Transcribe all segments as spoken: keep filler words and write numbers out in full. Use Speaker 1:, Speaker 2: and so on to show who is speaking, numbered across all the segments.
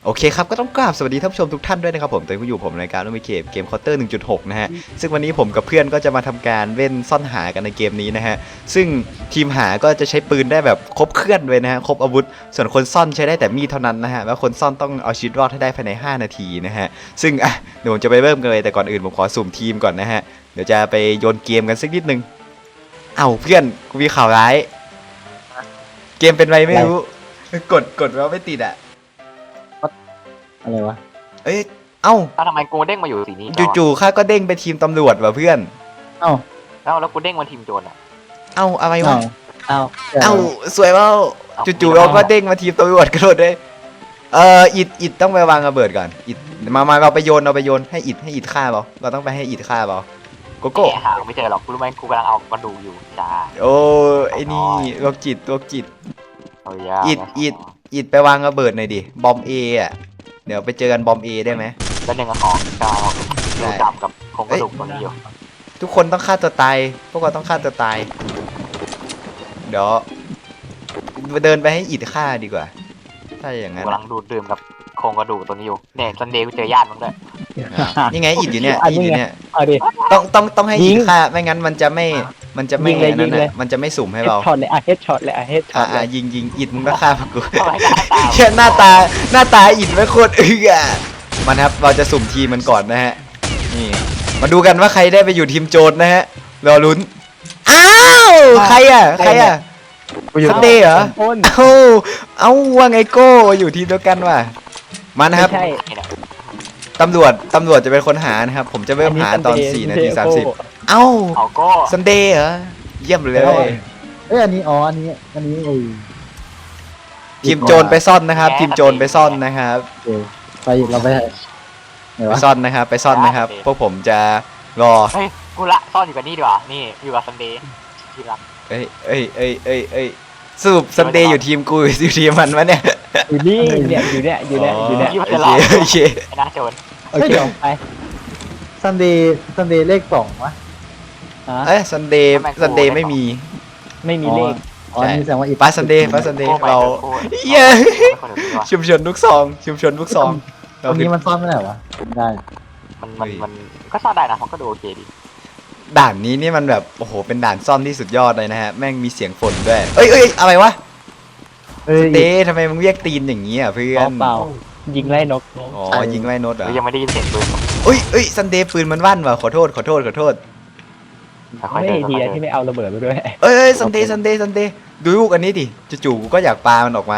Speaker 1: โอเคครับก็ต้องกราบสวัสดีท่านผู้ชมทุกท่านด้วยนะครับผมตอนนี้อยู่ผมในการเล่นเกมเกมเคาน์เตอร์ หนึ่งจุดหก นะฮะซึ่งวันนี้ผมกับเพื่อนก็จะมาทำการเล่นซ่อนหากันในเกมนี้นะฮะซึ่งทีมหาก็จะใช้ปืนได้แบบครบเครื่องเลยนะฮะครบอาวุธส่วนคนซ่อนใช้ได้แต่มีดเท่านั้นนะฮะแล้วคนซ่อนต้องเอาชีวิตรอดให้ได้ภายในห้านาทีนะฮะซึ่งอ่ะเดี๋ยวผมจะไปเริ่มกันเลยแต่ก่อนอื่นผมขอสุ่มทีมก่อนนะฮะเดี๋ยวจะไปโยนเกมกันสักนิดนึงเอ้าเพื่อนกูมีข่าวร้ายเกมเป็นไรไม่รู้กดกดแล้วไม่ติดอ่ะ
Speaker 2: อะไรวะ
Speaker 1: เอ้ยเอ้า
Speaker 3: ถ้าทำไมกูเด้งมาอยู่สีนี้
Speaker 1: จู่ๆข้าก็เด้งไปทีมตำรวจว่ะเพื่อน
Speaker 2: เอ้า
Speaker 3: แล้วแล้วกูเด้งมาทีมโจรอ่ะ
Speaker 1: เอ้าอะไรวะ
Speaker 2: เอ้า
Speaker 1: เอ้าสวยเปล่าจู่ๆเราก็เด้งมาทีมตำรวจกระโดดได้เอออิดอิดต้องไปวางระเบิดก่อนอิดมามาเราไปโยนเราไปโยนให้อิดให้อิดฆ่าเปล่าเราต้องไปให้อิดฆ่าเปล่าโกโก้
Speaker 3: แกหาไม่เจอหรอกกูรู้ไหมกูกำลังเอากระดูกอยู่จ้า
Speaker 1: โอ้ไอ้นี่โรคจิตโรคจิต
Speaker 3: เอายา
Speaker 1: อิดอิดอิดไปวางระเบิดหน่อยดิบอมเออ่ะเดี๋ยวไปเจอกันบอมเอได้ไหม
Speaker 3: แล้วหนึ่งกับของกาวดูดำกับโครงกระดูกตัวนี้อยู่
Speaker 1: ทุกคนต้องฆ่าตัวตายพวกเราต้องฆ่าตัวตายเดี๋ยวเดินไปให้อิดฆ่าดีกว่าถ้าอย่าง
Speaker 3: กู
Speaker 1: นั้น
Speaker 3: กำลังดูดดื่มกับโครงกระดูกตัวนี้อยู่เนี่ยซันเดย์กูเจอญาติมึงด้วย
Speaker 1: นี่ไงอิดอยู่เนี่ย
Speaker 2: อัน
Speaker 1: อิด
Speaker 2: นี้
Speaker 1: อยู่
Speaker 2: ไง
Speaker 1: เนี่ย
Speaker 2: เอาดิ
Speaker 1: ต้องต้องต้องให้
Speaker 2: ยิ
Speaker 1: อิ
Speaker 2: ง
Speaker 1: ดฆ่าไม่งั้นมันจะไม่มันจะไม่
Speaker 2: ยิงเลย
Speaker 1: นั่น
Speaker 2: ยิงเลย
Speaker 1: น่ะมันจะไม่สุ่มให้
Speaker 2: เฮด
Speaker 1: เรา
Speaker 2: ช็อตเลยอ่ะเฮดช็อตเลยอ่ะเฮดช็อ
Speaker 1: อ่า
Speaker 2: ตเล
Speaker 1: อ่าย ยิงยิงอิดมึงก็ฆ่าพวกกู
Speaker 3: ทำไมหน้าตา
Speaker 1: แค่หน้าตาหน้าตาอิดไม่โคตรเอื้อมันครับเราจะสุ่มทีมมันก่อนนะฮะนี่มาดูกันว่าใครได้ไปอยู่ทีมโจรนะฮะรอลุ้นอ้าวใครอ่ะใครอ่ะ ซันเดย์เหรอ
Speaker 2: คน
Speaker 1: เอ้าเอ้าว่าไงโก้อยู่ทีมเดียวกันว่ะมานะครับ
Speaker 2: ไม่ใช่
Speaker 1: ตำรวจตำรวจจะเป็นคนหานะครับผมจะเริ่มหาตอนสี่นาทีสามสิบเอ้า
Speaker 3: เอาก็
Speaker 1: ซันเดย์เหรอเยี่ยมเลย
Speaker 2: เอ้ยอันนี้อ๋ออันนี้อันนี้ไอ้
Speaker 1: ทีมโจรไปซ่อนนะครับ ทีมโจรไปซ่อนนะครับ
Speaker 2: โอเคไปเราไปไหน
Speaker 1: ไป
Speaker 2: วะ
Speaker 1: ซ่อนนะครับ ไปซ่อนนะครับพวกผมจะรอ
Speaker 3: เฮ้ยกูละซ่อนอยู่กับนี่ดีกว่านี่อยู่กับซันเดย์ที่รัก
Speaker 1: เอ้ยเอ้ยเอ้ยเอ้ยเอ้ยสรุปซันเดย์อยู่ทีมกูหรืออยู่ทีมมันวะเนี่ย
Speaker 2: อยู่นี่เนี่ยอยู่เนี่ยอยู่เนี่ยอยู่เนี่ย
Speaker 1: โอเคโอเค
Speaker 3: ไอ้หน้าโจร
Speaker 2: โอเคไปซันเดย์ซันเดย์เลขสองวะฮะ
Speaker 1: เอ้ยซันเดย์ซันเดย์ไม่มี
Speaker 2: ไม่มีเลขอ๋อนี่แสดงว่าอีก
Speaker 1: ป้าซันเดย์ป้าซันเดย์เราเย้ชุมชนลูกซองชุมชนลูกซอง
Speaker 2: ตรงนี้มันซ่อนไม่ได้วะได้
Speaker 3: มันมันมันก็ซ่อนได้นะมันก็ดูโอเคดี
Speaker 1: ด่านนี้นี่มันแบบโอ้โหเป็นด่านซ่อนที่สุดยอดเลยนะฮะแม่งมีเสียงฝนด้วยเอ้ยเอ้ยอะไรวะ
Speaker 2: เอ้ย
Speaker 1: เต้ทำไมมึงเรียกตีนอย่างนี้อ่ะเพื่อน
Speaker 2: เปล่ายิงไล่นก
Speaker 1: อ๋อยิงไล่นดเหรอ
Speaker 3: ยังไม่ได้ยินเสียงปืน
Speaker 1: เอ้ยเอ้ยซันเดย์ปืนมันว่นว่ะขอโทษขอโทษขอโทษ
Speaker 3: ค่อย
Speaker 2: ไม่
Speaker 3: เดิน
Speaker 2: ดี
Speaker 3: ค่อย
Speaker 2: นะ
Speaker 3: เดิ
Speaker 2: ที่
Speaker 3: น
Speaker 2: ไม่เอาระเบิดไปด้วย
Speaker 1: เอ้ยเอ้ยซันเดย์ซันเดย์ซันเดย์ดูลูกอันนี้ดิจู่ๆกูก็อยากปามันออกมา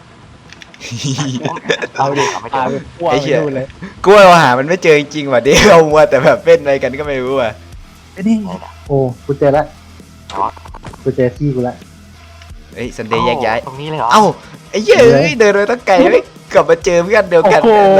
Speaker 2: เอาดิ
Speaker 3: ไม่
Speaker 2: พา
Speaker 3: เจอ
Speaker 2: ไปพวก
Speaker 1: ไอ้
Speaker 2: ไป
Speaker 1: เหี้ย
Speaker 2: ดูเลย
Speaker 1: กูว่าเราหามันไม่เจอจริงๆว่ะเดี๋ยวเรามัวแต่แบบเป็นอะไรกันก็ไม่รู้อ่ะ
Speaker 2: ไอ้นี่โอ้กูเจอละ
Speaker 3: แต่ว่า
Speaker 2: กูเจอที่กูละ
Speaker 1: เอ้ยซันเดย์แยกย้าย
Speaker 3: ตรงนี้เลยเหรอ
Speaker 1: เอ้าไอ้เหี้ยเอ้ยเดินไปตั้งไกลไม่กลับมาเจอเพื่อนเดียวกัน
Speaker 2: โอ้โห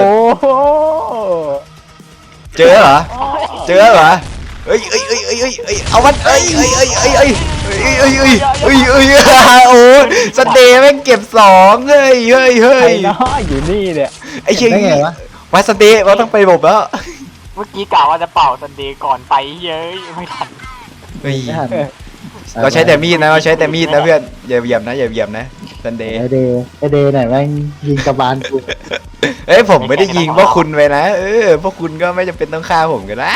Speaker 1: เจอเหรอเจอเหรอเอ้ยเอ้ยเอ้ยเอ้ยเอ้ยเอ้ยเอามันเอ้ยเอ้ยเอ้ยเอ้ยเอ้ยเอ้ยเอ้ยเอ้ยเอ้ยเอ้ยเอ้ยโอ้ซันเดย์แม่งเก็บสองเฮ้ยเฮ้ยเฮ้
Speaker 2: ไอ้
Speaker 1: ย
Speaker 2: น้ออยู่นี่เนี่ย
Speaker 1: ไอ้เชี่ย
Speaker 2: ได้ไงวะ
Speaker 1: วัดซันเดย์เราต้องไปบบแล้ว
Speaker 3: เมื่อกี้กล่าวว่าจะเป่าซันเดย์ก่อนไปเย้ยไม่ทัน
Speaker 1: เฮ้ย
Speaker 2: ไม่ทัน
Speaker 1: เราใช้แต่มีดนะเราใช้แต่มีดนะเพื่อนอย่าเหยียบนะอย่าเหยียบนะซันเดย์
Speaker 2: ไอเดย์ไอเดย์ไหนแม่งยิงกระบาลกู
Speaker 1: เอ้ยผมไม่ได้ยิงพวกคุณไปนะเออพวกคุณก็ไม่จำเป็นต้องฆ่าผมก็ได้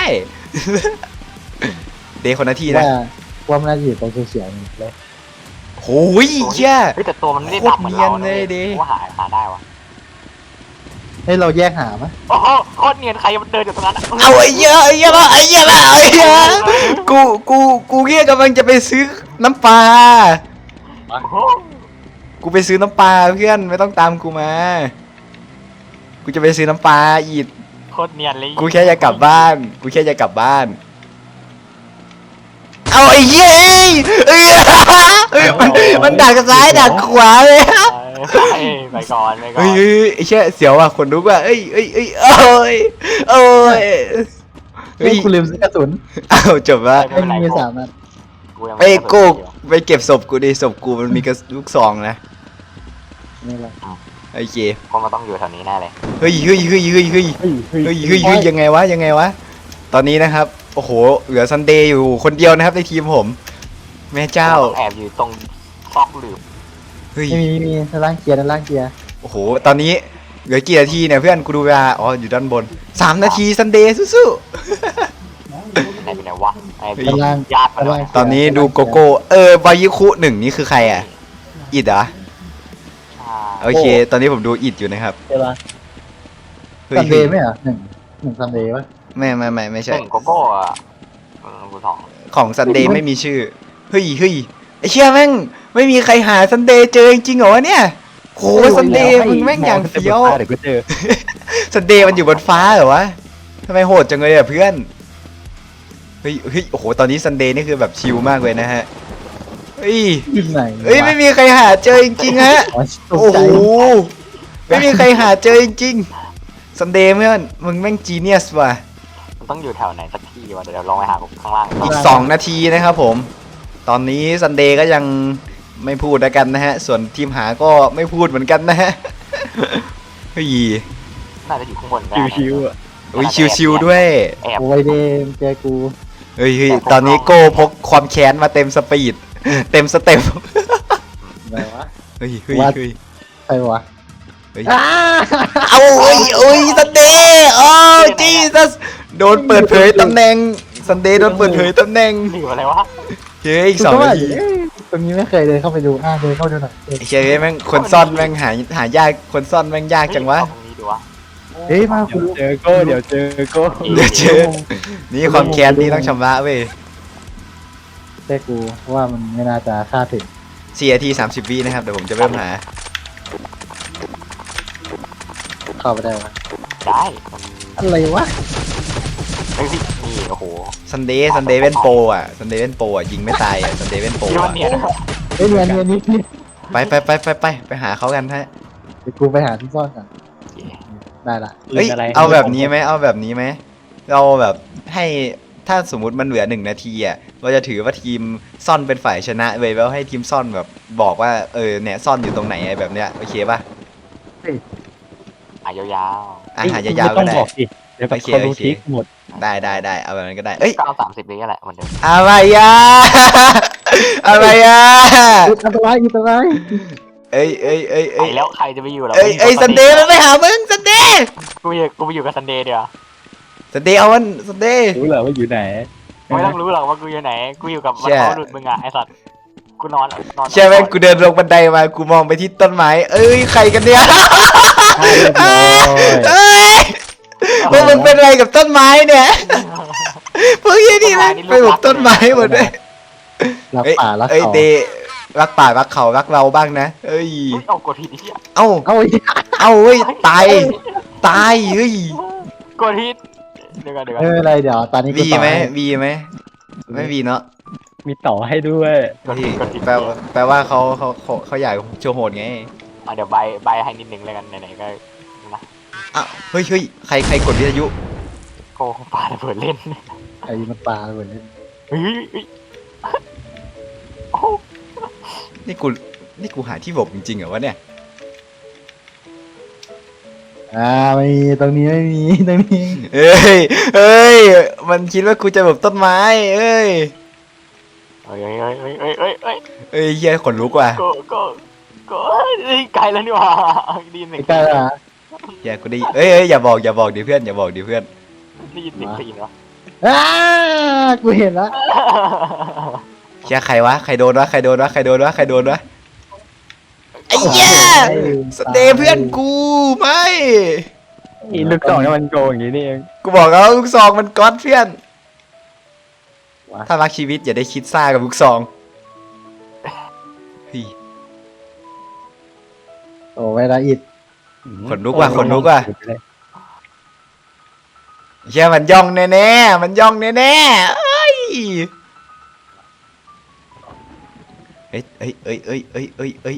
Speaker 1: เดย์คนละที่นะ
Speaker 2: ว่าว่ามันน่าจะอยู่ตรงเฉียงๆเลย
Speaker 1: โอ้ยเชี่ย
Speaker 3: เฮ้ยแต่ตัวมันไม่ได้ดำเหมือนเรา
Speaker 1: โคตรเนียนเลยดิ
Speaker 3: ว่าหาหาได้วะ
Speaker 2: ให้เราแยกหาไหม
Speaker 3: โอ้โหโคตรเนียนใครมันเดินอยู่ตรงนั้น
Speaker 1: เอาไอ้เหี้ยไอ้เหี้ยละไอ้เหี้ยละไอ้เหี้ยกูกูกูเงี้ยกำลังจะไปซื้อน้ำปลา
Speaker 3: โอ้โห
Speaker 1: กูไปซื้อน้ำปลาเพื่อนไม่ต้องตามกูมา กูจะไปซื้อน้ำปลาอีด
Speaker 3: โคตรเนียนเลย
Speaker 1: กูแค่จะกลับบ้าน กูแค่จะกลับบ้าน เอาไอ้เหี้ยเอ้ยเอ้ยมันมันดักซ้ายดักขวาเลย
Speaker 3: ไปไปก่อนไปก่อ
Speaker 1: เฮ้ย
Speaker 3: น
Speaker 1: เฮ้ยไอ้เชี่ยเสียวว่ะขนลุกว่ะเอ้ยเอ้ยเอ้ยโอ้ยโอ้ย
Speaker 2: เฮ้ยกูลืมซื้อกระสุน
Speaker 1: อ้าวจบละ
Speaker 2: ไม่มีสามนัด
Speaker 3: ยังม่
Speaker 1: ไอ้
Speaker 3: ด้
Speaker 1: โกูไปเก็บศพกูดิศพกูมันมีกระลูกซองนะ
Speaker 2: นี่แหละ
Speaker 1: โอเค
Speaker 3: คงก็ต้องอยู่แถวนี้แน่เลย
Speaker 1: เฮ้ยเฮ้ยเฮ้ยเฮ้ยเฮ้ย
Speaker 2: เฮ้ยเฮ้ย
Speaker 1: เฮ้ยเฮ้ยเฮ้ยยังไงวะยังไงวะตอนนี้นะครับโอ้โหเหลือซันเดย์อยู่คนเดียวนะครับในทีมผมแม่เจ้า
Speaker 3: ต้องแอบอยู่ตรงซอกหลืบ
Speaker 1: เฮ้ย
Speaker 2: ไม่มีไม่มีด้านล่างเคลียร์ด้านล่างเคลียร์
Speaker 1: โอ้โหตอนนี้เหลือกี่นาทีเนี่ยเพื่อนกูดูเวลาอ๋ออยู่ด้านบนสามนาทีซันเดย์สู้
Speaker 3: ไหนเป็นไหนวะไอ้
Speaker 2: กำลัง
Speaker 3: ญาติมาด้วย
Speaker 1: ๆตอนนี้ดูโกโก้เออบายิคุหนึ่งนี่คือใครอ่ะอิดเหรอ
Speaker 3: อ่า
Speaker 1: โอเค ตอนนี้ผมดูอิดอยู่นะครับ
Speaker 2: ใช่ปะ
Speaker 1: เฮ้ย
Speaker 2: ซันเดย์ไหมเหรอหนึ่งหนึ่งซันเดย์ปะ
Speaker 1: ไม่ไม่ไม่ไม่
Speaker 3: ห
Speaker 1: ใช่
Speaker 3: นึ่งโกโก้อ่ะเออกูสอง
Speaker 1: ของซันเดย์ไม่มีชื่อเฮ้ยเฮ้ยไอเชี่ยแม่งไม่มีใครหาซันเดย์เจอจริงๆเหรอวะเนี่ยโหซันเดย์มึงแม่งอย่างเฟี้ยว
Speaker 4: เดี๋ยวก็เจอ
Speaker 1: ซันเดย์มันอยู่บนฟ้าเหรอวะทำไมโหดจังเลยอ่ะเพื่อนเฮ้ยเฮ้ยโอ้โหตอนนี้ซันเดย์นี่คือแบบชิลมากเลยนะฮะเฮ้ย
Speaker 2: อยู่ไหน
Speaker 1: เฮ้ยไม่มีใครหาเจอจริงๆฮะ
Speaker 2: อ๋อตก
Speaker 1: โอ้
Speaker 2: ใจ
Speaker 1: โหไม่มีใครหาเจอจริงๆซันเดย์เพื่อนมึงแม่งจีเนียสว่ะ
Speaker 3: มันต้องอยู่แถวไหนสักที่วะเดี๋ยวลองไปหาข้างล่าง
Speaker 1: อีกสองนาทีนะครับผม ตอนนี้ซันเดย์ก็ยังไม่พูดแล้วกันนะฮะ ส่วนทีมหาก็ไม่พูดเหมือนกันนะฮะเฮ้ย
Speaker 3: น่าจะอยู่ข้างบน
Speaker 4: ชิวๆอ่ะ
Speaker 1: อุ้ยชิวๆด้วย
Speaker 3: แอบ
Speaker 2: โอ้ยเดมเจอกู
Speaker 1: เฮ้ยเฮ้ยตอนนี้โก้พกความแค้นมาเต็มสปีด เต็มสเต็ป
Speaker 2: อะไรวะ
Speaker 1: เฮ้ยเฮ้ย
Speaker 2: ว่า
Speaker 1: เฮ้ย
Speaker 2: ใครวะ
Speaker 1: เฮ้ยเอาเอ้ยเอ้ยซันเดย์โอ้จีซัสโดนเปิดเผยตำแหน่งซันเดย์โดนเปิดเผยตำแหน่ง
Speaker 3: หรืออะไรวะ
Speaker 1: เฮ้ยอีกสองนาที
Speaker 2: เอ้ยตรงนี้ไม่เคยเดินเข้าไปดูอ่ะเดินเข้าไปดูหน่อยเอ้ย
Speaker 1: ไอ้เฮ้ยแม่งคนซ่อนแม่งหาหายากคนซ่อนแม่งยากจังวะ
Speaker 3: ตรงนี้ดูวะ
Speaker 2: เฮ้ยมา
Speaker 4: เดี๋
Speaker 2: คุ
Speaker 4: ยว
Speaker 2: ณ
Speaker 4: เจอโก้เดี๋ยวเจอโก้
Speaker 1: เดี๋ยวเจอ นี่ความแค้นนี่ต้องชำระเว้ย
Speaker 2: เจอกูว่ามันไม่น่าจะฆ่าถึง
Speaker 1: สี่นาทีสามสิบวินะครับเดี๋ยวผมจะเริ่มหา
Speaker 2: เข้าไปได้วะ
Speaker 3: ได้มัน
Speaker 2: อะไรวะ
Speaker 3: เฮ้ยนี่โอ้โห
Speaker 1: ซันเดย์ซันเดย์เว้นโปรอ่ะซันเดย์เว้นโปรอ่ะยิงไม่ตายอ่ะซันเดย์เว้นโปร
Speaker 3: ที่มั
Speaker 1: อ่ะ
Speaker 3: นเนียน
Speaker 2: เฮ้ยเนียนเนียนนิดนิด
Speaker 1: ไปไปไปไปไปไปหาเขากันฮะ
Speaker 2: เดี๋ยวกูไปหาที่ซ่อนก่อนได้ละ
Speaker 1: เอ้ยเอาแบบนี้ไหมเอาแบบนี้ไหมเราแบบให้ถ้าสมมุติมันเหลือหนึ่งนาทีอ่ะเราจะถือว่าทีมซ่อนเป็นฝ่ายชนะเว้ยแล้วให้ทีมซ่อนแบบบอกว่าเออเนี่ยซ่อนอยู่ตรงไหนอะไรแบบเนี้ยโอเคป่ะ
Speaker 3: อ่ะยาว
Speaker 1: อาหารยาวๆ
Speaker 4: ต้
Speaker 1: ก็
Speaker 4: อง
Speaker 1: ได้
Speaker 4: บอกสิเดี๋ยวแบบ
Speaker 1: โอเค
Speaker 4: คนรู้
Speaker 1: โอเค
Speaker 4: ทิกหมด
Speaker 1: ได้ได้ได้เอาแบบนั้นก็ได้เอ้ย
Speaker 3: ๆเก้าสามสิบนี่แหละเหมือนเดิม
Speaker 1: อะไรอ่ะ อะไรอ่ะ
Speaker 2: อุ๊ยอันตรายอันตราย
Speaker 1: เอ้ยเอ้ยเอ้ย
Speaker 3: ไอ้
Speaker 1: เอ้ย
Speaker 3: แล้วใครจะไปอยู่ล่ะ
Speaker 1: เอ้ยเอ้ยซันเดย์มันไปหามึงซันเดย์
Speaker 3: กูไปอยู่กูไปอยู่กับซันเดย์เดี๋ยว
Speaker 1: ซันเดย์เอามันซันเดย์
Speaker 4: รู้เหรอว่าอยู่ไหน
Speaker 3: ไม่ต้องรู้หรอกว่ากูอยู่ไหนกูอยู่กับมัน
Speaker 1: เชี่ย
Speaker 3: เขาหลุดมึงอ่ะไอ้สัตว์กูนอนนอน
Speaker 1: ใช่ไหมกูเดินลงบันไดมากูมองไปที่ต้นไม้เอ้ยใครกันเนี่ย
Speaker 2: เรียบร้อย
Speaker 1: เอ้ยพวกมึงเป็นอะไรกับต้นไม้เนี่ยพวกยี่นี่มันไปบุกต้นไม้หมดเลย
Speaker 2: รัก
Speaker 1: เอ้ย
Speaker 2: ป่ารัก
Speaker 1: เอ้ย
Speaker 2: เขา
Speaker 1: เดย์รักป่ารักเขารักเราบ้างนะเอ้ย
Speaker 3: เฮ้ยเอากดผิดไอ้เหี้ย
Speaker 1: เอ้า
Speaker 2: เอาอีก
Speaker 1: เอ้าเฮ้ยตายตายเฮ้ย
Speaker 3: กดผิดเดี๋ยวก่อนเดี๋ยวก่อน
Speaker 2: ไม่เป็นไรเดี๋ยวตอนนี้กู
Speaker 1: วี
Speaker 2: ต่อ
Speaker 1: ไหม
Speaker 2: ให้
Speaker 1: วีไหมไม่วีเนาะ
Speaker 4: มีต่อให้ด้วย
Speaker 3: กดผิดกดผิด
Speaker 1: แปลว่าแปลว่าเขาเขาเขาเขาอยากโชว์โหดไง
Speaker 3: อ่ะเดี๋ยวใบใบให้นิดนึงแล้วกันไหนๆก็นะ
Speaker 1: อ้าวเฮ้ยเฮ้ยใครใครกดวิทยุ
Speaker 3: โก้ปาระเบิดเล่น
Speaker 2: ไอ้มันปลาเหมือนเล่น
Speaker 3: เฮ้ยเฮ้ยโอ้
Speaker 1: นี่กูนี่กูหาที่หลบจริงๆเหรอวะเนี่ย
Speaker 2: อ่าไม่มีตรงนี้ไม่มีตรงนี้
Speaker 1: เอ้ยเอ้ยมันคิดว่ากูจะแบบต้นไม้เอ้ย
Speaker 3: เฮ้ยเฮ้ยเฮ้ยเฮ้ยเฮ้ยเฮ้ย
Speaker 1: เอ้ยเฮียขนลุกว่ะ
Speaker 3: โก้โก้โก้เฮ้ยไกลแล้วนี่หว่าได้ยินเสียง
Speaker 2: ใกล้ๆละ
Speaker 1: เฮียกูได้เอ้ยเอ้ยอย่าบอกอย่าบอกดิเพื่อนอย่าบอกดิเพื่อน
Speaker 3: ได้ยินเสียงตีนวะ
Speaker 2: อ้ากูเห็นแล้ว
Speaker 1: เฮียใครวะใครโดนวะใครโดนวะใครโดนวะใครโดนวะไอ้เหี้ยสเตย์เพื่อนกูไม่
Speaker 4: อีลูกสองนี่มันโกงอย่างนี้นี่เอง
Speaker 1: กูบอกแล้วลูกซองมันก๊อตเพื่อน ถ้ารักชีวิตอย่าได้คิดซ่ากับลูกซองเฮ้ย
Speaker 2: โอ้เวลาอิด
Speaker 1: ขนลุกว่ะขนลุกว่ะเฮียมันย่องแน่ๆมันย่องแน่ๆเอ้ยเอ้ยเอ้ยเอ้ยเอ้ยเอ้ยเอ้ยเอ้ย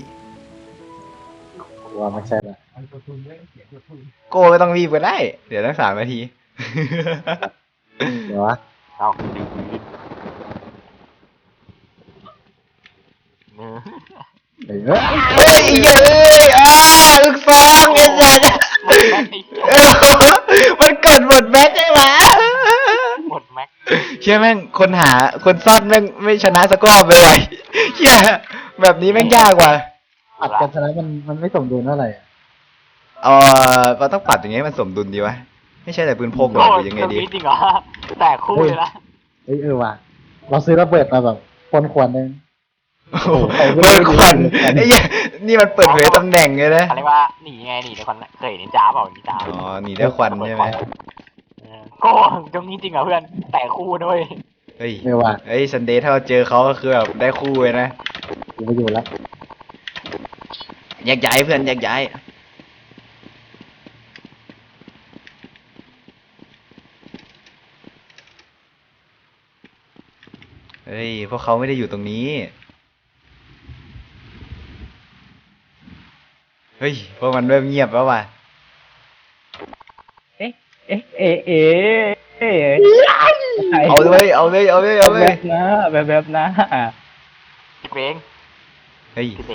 Speaker 2: ว่าไม่ใช่ละ
Speaker 1: โก้ไม่ต้องรีบก็ได้ เดี๋ยวตั้งสามนาที
Speaker 2: เดี๋ยววะ
Speaker 3: เอาดีเนื้อ
Speaker 2: เดี๋ยวเอ้ย
Speaker 1: เฮ้ยเอ้ยอ้าลูกซองไอ้สัสมันเกิดหมดแม็กได้ไหม
Speaker 3: หมดแม็ก
Speaker 1: เชื่อแม่งคนหาคนซ่อนแม่งไม่ชนะสักรอบเลยเชื่อแบบนี้แม่งยากว่ะ
Speaker 2: อัดกันชนะมันมันไม่สมดุลเท่าไหร่อะ
Speaker 1: เออเราต้องปรับอย่างไงให้มันสมดุลดีวะไม่ใช่แต่ปืนพกหรอหรือยังไงดี
Speaker 3: จริงเหรอแต่คู่เลยนะ
Speaker 2: เอ้ยเออว่ะเราซื้อระเบิดมาแบบคนควรนึง
Speaker 1: โอ้โหเปิดควันไอ้เหี้ยนี่มันเปิดเผยตำแหน่งเลยนะ
Speaker 3: เขาเรียกว่าหนีไงหนีในควันเคยเห็นนินจาเปล่านินจา
Speaker 1: อ๋อหนีด้วยควันใช่ไหม
Speaker 3: เออโก็ตรงนี้จริงเหรอเพื่อนแต่คู่ด้วย
Speaker 1: เฮ้ย
Speaker 2: เออว่ะ
Speaker 1: เฮ้ยซันเดย์ถ้าเราเจอเขาก็คือแบบได้คู่เลยนะ
Speaker 2: กูไปอยู่แล้ว
Speaker 1: แยกย้ายเพื่อนแยกย้ายเฮ้ยพวกเขาไม่ได้อยู่ตรงนี้เฮ้ยพวกมันเริ่มเงียบแล้วว่ะ
Speaker 4: เอ๊ะเอ๊ะเอ๊ะเอ๊ะเอ๊ะ
Speaker 1: เอาเลยเอาเลยเอาเลยเอาเล
Speaker 4: แบ
Speaker 1: ย
Speaker 4: บนะแบบแบบนะ
Speaker 3: คิดเอง
Speaker 1: เฮ้ย
Speaker 3: คิดเอง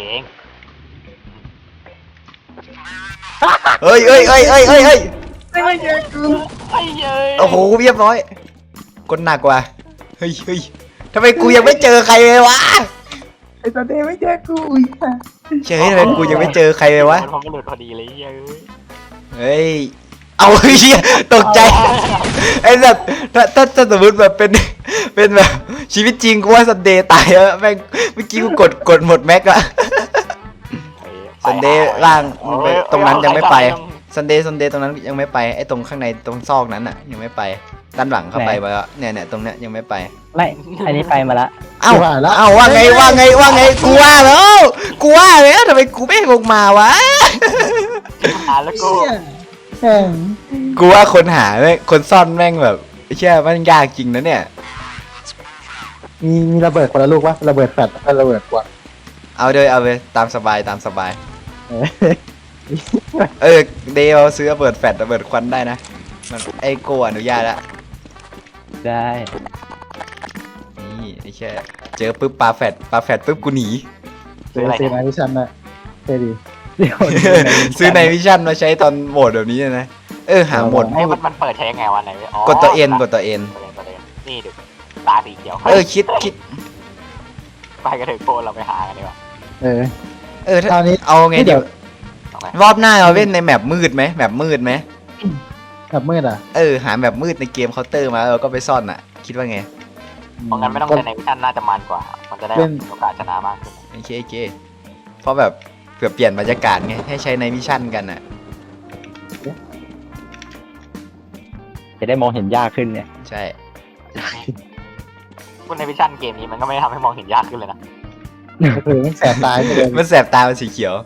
Speaker 1: เฮ้ยเฮ้ยเฮ้ยเฮ้ยเฮ้ยเฮ้ย
Speaker 3: ไม่เยอะไม่เยอะ
Speaker 1: โอ้โหเรียบร้อยกดหนักว่ะเฮ้ยเฮ้ยทำไมกูยังไม่เจอใครเลยวะ
Speaker 2: ไอ้ตอนนี้ไม่เจอกูอีกอ่ะ
Speaker 1: เฉยทำไมกูยังไม่เจอใครเลยวะ
Speaker 3: มันพอมันหลุดพอดีเลยเยอะ
Speaker 1: เฮ้ยเอาเฮียตกใจไอ้แบบถ้าถ้าถ้าสมมติแบบเป็นเป็นแบบชีวิตจริงกูว่าซันเดย์ตายแล้วแม่งเมื่อกี้กูกดกดหมดแม็กอะซันเดย์ล่างมันไปตรงนั้นยังไม่ไปซันเดย์ซันเดย์ตรงนั้นยังไม่ไปไอ้ตรงข้างในตรงซอกนั้นอะยังไม่ไปด้านหลังเข้าไปไปแล้วเนี่ยเนี่ยตรงเนี้ยยังไม่ไป
Speaker 4: ไม่อันนี้ไปมาละ
Speaker 1: เอ้าเอ้าว่าไงว่าไงว่าไงกูว่าแล้วกูว่าแล้วทำไมกูไม่ลงมาวะ
Speaker 3: หาแล้วกู
Speaker 2: แม่ง
Speaker 1: กูว่าคนหาแม่งคนซ่อนแม่งแบบเชื่อมันยากจริงนะเนี่ย
Speaker 2: มีมีระเบิดคนละลูกวะระเบิดแฟลชกับระเบิดกวาด
Speaker 1: เอาเลยเอาเลยตามสบายตามสบาย
Speaker 2: เออ
Speaker 1: เออเดย์เราซื้อระเบิดแฟลชระเบิดควันได้นะมันไอโกอนุญาตละ
Speaker 4: ได้
Speaker 1: นี่ไอ้แค่เจอปุ๊บปาแฟลชปาแฟลชปุ๊บกูหนี
Speaker 2: ซื้อซื้อมาที่ชั้นน่ะเท่ดี
Speaker 4: เดี๋ยว
Speaker 1: ซื้อในวิชั่นมาใช้ตอนโหมดแบบนี้นะเออหาโหมด
Speaker 3: ไอ้มันมันเปิดใช้ยังไงวะไหน
Speaker 1: กดตัวเอ็นกดตัวเอ็น
Speaker 3: กดตัวเอ็นนี่ดูตาสีเขียว
Speaker 1: เออคิดคิด
Speaker 3: ไปกันเถอะโกเราไปหากันดีกว่า
Speaker 2: เออ
Speaker 1: เออถ้า
Speaker 2: คราวนี้
Speaker 1: เอาไง
Speaker 2: เดี๋
Speaker 1: เดี๋
Speaker 2: ย
Speaker 1: ยว วรอบหน้าเราเล่นในแมปมืดไหมแมปมืดไหม
Speaker 2: แบบมืดอ่ะ
Speaker 1: เออหาแมปมืดในเกมเคาน์เตอร์มาแล้วเราก็ไปซ่อนอ่ะ คิดว่าไง
Speaker 3: เพราะงั้นไม่ต้องใช้ในวิชั่นน่าจะมันกว่า มันจะได้โอกาสชนะมากขึ้น
Speaker 1: โอเคโอเคเพราะแบบเผื่อเปลี่ยนบรรยากาศไงให้ใช้ในวิชั่นกันอ่ะ
Speaker 4: จะได้มองเห็นยากขึ้นเนี่ย
Speaker 1: ใช่
Speaker 3: พวกในวิชั่นเกมนี้มันก็ไม่ทำให้มองเห็นยากขึ้นเลยนะ
Speaker 2: ก็คือไม่แสบตายไปเลย
Speaker 1: มันแสบตามันสีเขียว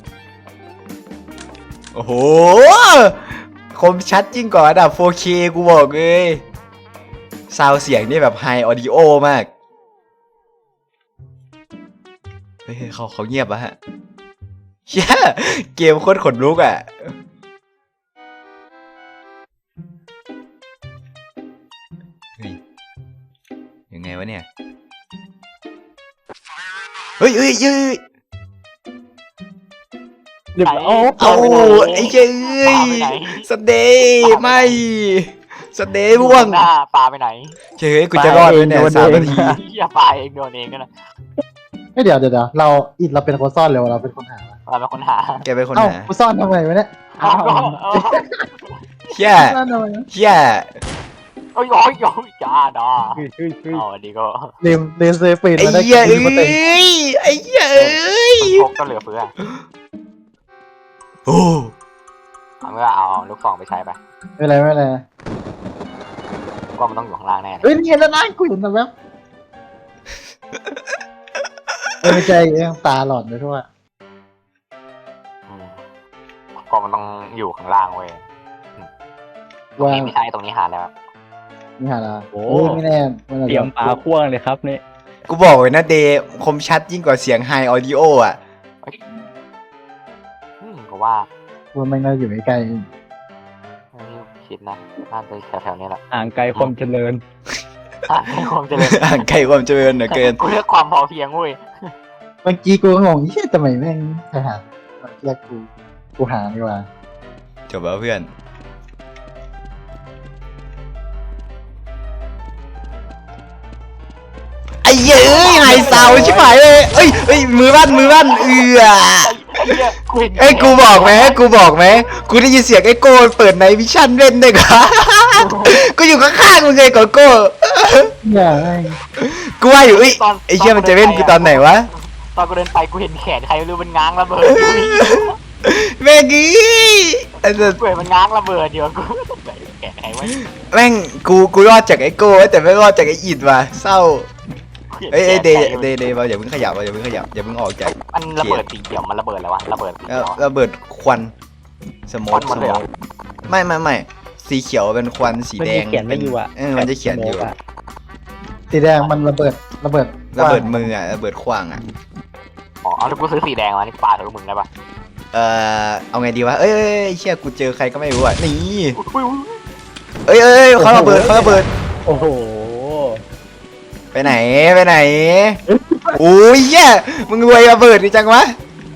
Speaker 1: โอ้โห คมชัดจริงกว่าระดับ โฟร์เค กูบอกเลยซาวเสียงนี่แบบไฮออดิโอมาก เฮ้ยเขาเขาเงียบอะฮะเชี่ยเกมโคตรขนลุกอะเฮ้ยยังไงวะเนี่ย เฮ้ยเฮ้ยเฮ้ย
Speaker 4: เดี๋ยวโอ้
Speaker 1: เอาไอ้เจ้ยสเดย์ไม่สเดย์ร่วง
Speaker 3: หน้าปลาไปไหน
Speaker 1: เฮ้ยกูจะรอดไหมเนี่ยสามนาที
Speaker 3: อย่าปลาเองโดนเองก็นะ
Speaker 2: ไม่เดี๋ยวเดี๋ยวเดี๋ยวเราอิดเราเป็นคนซ่อนเร็วเราเป็นคนหา
Speaker 3: เราเป็นคนหา
Speaker 1: แกเป็นคน
Speaker 2: เอ้า
Speaker 1: หา
Speaker 2: กูซ่อนทำไมวะเนี่ย
Speaker 3: เอาก็เอา
Speaker 1: เชี่ย
Speaker 2: ซ่อนทำไม
Speaker 1: เชี่ย
Speaker 3: โอ้ยโอ้ยโอ้ยจ้าดา
Speaker 4: เฮ้ยเฮ้ยเฮ้ย
Speaker 3: อ๋อดีก็
Speaker 2: ลืมลืมซื้อปืน
Speaker 1: ไอ้
Speaker 2: มาได้
Speaker 1: เหี้ย
Speaker 2: กิ
Speaker 1: เอ้
Speaker 2: นมาเต็ม
Speaker 1: ยไอ้เหี้ยเอ้ย
Speaker 3: พกก็เหลือเฟือ
Speaker 1: โอ้
Speaker 3: เอาเมื่อเอาลูกซองไปใช้ไป
Speaker 2: ไม่เป็นไรไม่เป็นไร
Speaker 3: ก็มันต้องอยู่ข้างล่างแน่
Speaker 2: เอ้ยนี่เห็นแล้วนะกูเห็นแล้วแว๊บเออไม่ใจเองตาหลอดไปทั่ว
Speaker 3: ก็มันต้องอยู่ข้างล่างเว้ยตรง
Speaker 2: ว่า
Speaker 3: นี้ไม่ใช่ตรงนี้หาแล้ว
Speaker 2: นี่หาละโอ้ยไม่แน่มันอาจ
Speaker 4: เตรีย
Speaker 2: จะ
Speaker 4: มปลาพ่วงเลยครับนี่
Speaker 1: กูบอกเลยนะเดย์คมชัดยิ่งกว่าเสียงไฮออดิโออ่ะ
Speaker 3: อืมก็ว่า
Speaker 2: ว่ามันน่าอยู่ใกล้
Speaker 3: ไม่คิดนะน่าจะแถวๆนี้แหละ
Speaker 4: ห่างไกลความเจริญ
Speaker 3: ไม่คงจะเลย
Speaker 1: ห่างไกลความเจริญเหลือเกิน
Speaker 3: กูเลือกความพอเพียงเว้ย
Speaker 2: ๆเมื่อกี้กูก็งงเฮ้ยทำไมแม่งไปหาเรียกกูกูหาดีกว่า
Speaker 1: จบแล้วเพื่อน ไอ้เหี้ยเอ้ยไฮซาวชิบหายเลยเอ้ยเอ้ยมือบ้านมือบ้านเอือ
Speaker 3: ไอ้เหี้ยกูเห็น
Speaker 1: เอ้ยกูบอกไหมกูบอกไหมกูได้ยินเสียงไอ้โก้เปิดในวิชั่นเล่นด้วยกัน กูอยู่ข้างๆมึงเลยก่อนโก้
Speaker 2: อย่าแม่ง
Speaker 1: กูว่าอยู่เอ้ยไอ้เชี่ยมันจะเล่นกูตอนไหนวะ
Speaker 3: ตอนกูเดินไปกูเห็นแขนใครไม่รู้มันง้างระเบิดอยู่
Speaker 1: แม่งกี้ไอ้สัส
Speaker 3: กูเห็นมันง้างระเบิดอยู่กูแขนใครวะ
Speaker 1: แม่งกูกูรอดจากไอ้โก้แต่ไม่รอดจากไอ้อิดว่ะเศร้าเอ้ยเอ้ยเดย์เดย์เดย์อย่าเพิ่งขยับอย่าเพิ่งขยับอย่าเพิ่งออกจาก
Speaker 3: มันระเบิดสีเขียวมันระเบิดอะไรวะระเบิดสี
Speaker 1: แล้ว
Speaker 3: เขียว
Speaker 1: ระเบิดควันสโม
Speaker 3: ควั
Speaker 1: ก
Speaker 3: นหม
Speaker 1: ส
Speaker 3: ด
Speaker 1: โม
Speaker 3: เลยเหรอ
Speaker 1: กไม่ไม่ไม่สีเขียวเป็นควันสี
Speaker 4: มัน
Speaker 1: แด
Speaker 4: จะ
Speaker 1: ง
Speaker 4: เขียนไม่อยู่อ่ะ
Speaker 1: เออมันจะเขียนอยู่
Speaker 4: ะ
Speaker 2: สีแดงมันระเบิดระเบิด
Speaker 1: ระเบิดมืออ่ะระเบิดขวางอ่ะ
Speaker 3: อ๋อเอาแล้วกูซื้อสีแดงมานี่ปาเถอะมึงได้ปะ
Speaker 1: เออเอาไงดีวะเอ้ยเอ้ยเอ้ยเชี่ยกูเจอใครก็ไม่รู้อ่ะนี่
Speaker 3: อุ้ยอุ้ย
Speaker 1: เอ้ยเอ้ยเอ้ยเขาระเบิดเขาระเบิด
Speaker 4: โอ้โห
Speaker 1: ไปไหนไปไหนโอ้ยเหี้ยมึงรวยระเบิดดิจังวะ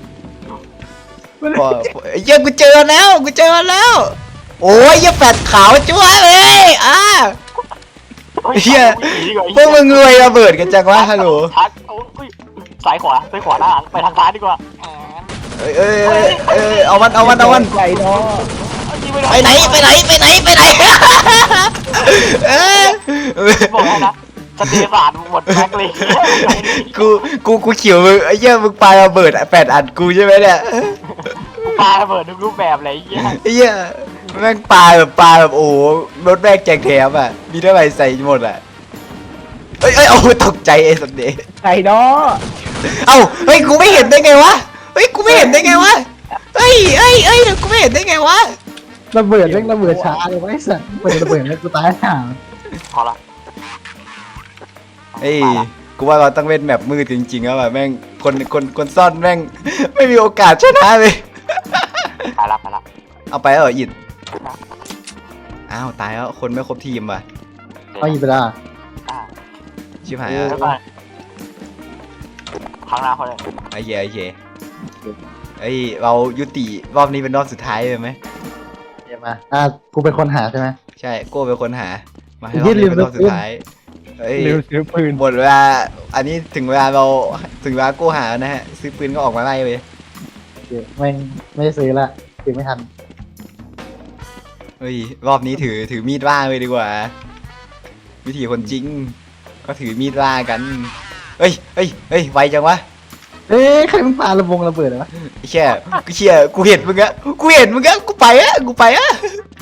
Speaker 1: พอพอไอ้เหี้ยกูเจอแล้วกูเจอแล้วโอ้ยเหี้ยแฟดขาวจั๊วเลยอ่ะ เหี้ย พวกมึงรวยระเบิดกันจังวะฮัลโหล
Speaker 3: ทักโอ้ยซ้ายขวาซ้ายขวาหน้าหลังไปทางซ้ายดีกว่า
Speaker 1: เอ้ยเอ้ยเอ้ยเอ้ยเอามันเอามันเอามัน
Speaker 4: ใจเนาะ
Speaker 1: ไปไหนไปไหนไปไหนไปไหนเอ้ย
Speaker 3: บอกให้นะสเตฟานหมดแม็กเลย
Speaker 1: กูกูกูเขียวมึงไอ้เหี้ยมึงปาระเบิดแปดอันกูใช่ไหมเนี่ย
Speaker 3: ปาระเบิดทุกรูปแบบเลยไอ้เหี้ย
Speaker 1: ไอ้เหี้ยแม่งปลาแบบปลาแบบโอ้โหรถแม่งแจกแถมอ่ะมีเท่าไหร่ใส่หมดอ่ะเอ้ยเอ้ยโอ้ตกใจไอ้สัตว์เดย์
Speaker 4: ใจเนาะ
Speaker 1: เอ้าเฮ้ยกูไม่เห็นได้ไงวะเฮ้ยกูไม่เห็นได้ไงวะเฮ้ยเฮ้ยเฮ้ยกูไม่เห็นได้ไงวะ
Speaker 2: ระเบิดเร่งระเบิดช้าเลยไวะไอ้สัสเปิดระเบิดแล้วกูตายห่า
Speaker 3: พอละ
Speaker 1: เฮ้ยกูว่าเราต้องเล่นแบบมืดจริงๆแล้วอ่ะแม่งคนคนคนซ่อนแม่งไม่มีโอกาสชนะเลย
Speaker 3: ตายละตายละ
Speaker 1: เอาไปแล้วเหรออิดอ้าวตายแล้วคนไม่ครบทีมว่ะ
Speaker 2: เอาอีกไปละ
Speaker 3: อ่า
Speaker 1: ชิบหาย
Speaker 3: แล้
Speaker 1: แล้ว
Speaker 3: วก็ข้างหน้าเขาเลย
Speaker 1: ไอ้เหี้ยไอ้เหี้ยเอ้ยเรายุติรอบนี้เป็นรอบสุดท้ายเลยไหม
Speaker 2: เดี๋ยวมาอ่ะกูเป็นคนหาใช่ไหม
Speaker 1: ใช่โก้เป็นคนหา มาให้ร
Speaker 2: ยื
Speaker 1: อบ
Speaker 2: ด
Speaker 1: นี้เป็นรอบ
Speaker 2: ลืม
Speaker 1: สุดท้ายเอ้ย
Speaker 4: เร็วซื้อปืน
Speaker 1: หมดเวลา อันนี้ถึงเวลาเราถึงเวลาโก้หาแล้วนะฮะ ซื้อปืนก็ออกมาไล่เลย
Speaker 2: เดี๋ยวแม่งไม่ได้ซื้อละซื้อไม่ทัน
Speaker 1: เฮ้ย รอบนี้ถือถือมีดล่าเลยดีกว่า วิธีคนจริง ก็ถือมีดล่ากัน เฮ้ยเฮ้ยเฮ้ยไวจังวะ
Speaker 2: เอ๊ะใครมันปาระบงระเบิดวะ
Speaker 1: ไอ้เชี่ยกูเชี่ยกูเห็นมึงอะกูเห็นมึงอะกูไปอะกูไปอะ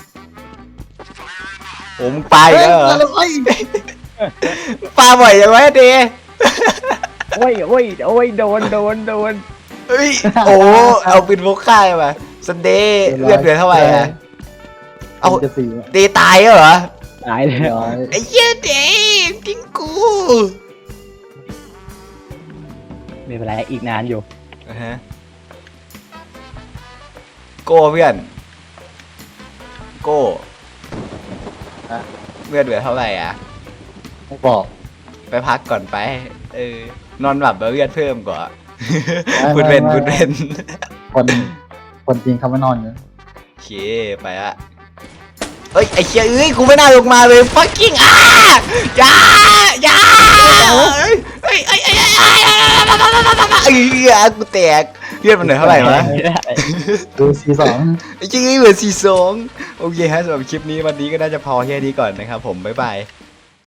Speaker 1: โอ้มึงไป
Speaker 2: เฮ้ย
Speaker 1: แล้วเหรอ
Speaker 2: แล้วไอ้
Speaker 1: ปลาบ่อยจังวะเดย์
Speaker 4: โอ้ยโอ้ยโอ้ยโดนโดนโดน
Speaker 1: เฮ้ย โอ้ เอาปืนพกค่ายมาซันเดย์เลือดเหลือเท่าไหร่อะเอา
Speaker 2: จะสี่อะ
Speaker 1: เดย์ตายแล้วเหรอ
Speaker 4: ตายเลย
Speaker 2: ร้อย
Speaker 1: ไอ้เหี้ยเดย์ทิ้งกู
Speaker 4: ไม่เป็นไรอีกนานอยู่
Speaker 1: อ่าฮะโก้เพื่อน โก้เลือดเหลือเท่าไหร่อ่ะ
Speaker 2: ไม่บอก
Speaker 1: ไปพักก่อนไป เออ นอนหลับแล้วเลือดเพิ่มก่อน
Speaker 2: ไม่
Speaker 1: พูดเป็น
Speaker 2: ไม่
Speaker 1: พูดเป็น
Speaker 2: คนคนจริงเขาไม่นอนอยู่
Speaker 1: โอเค ไปละเอ้ย ไอ้เชี่ยเอ้ย กูไม่น่าลงมาเลย fucking อ่ะอย่าอย่าเอ้ยเอ้ยเอ้ยเอ้ยเอ้ยเอ้ยเอ้ยกูแตกเลือดมันเหลือเท่าไหร่วะ
Speaker 4: ไม่ได้
Speaker 2: ดูซีสอง
Speaker 1: ไอ้เชี่ยเหลือสี่สองโอเคฮะสำหรับคลิปนี้วันนี้ก็น่าจะพอแค่นี้ก่อนนะครับผม บ๊ายบาย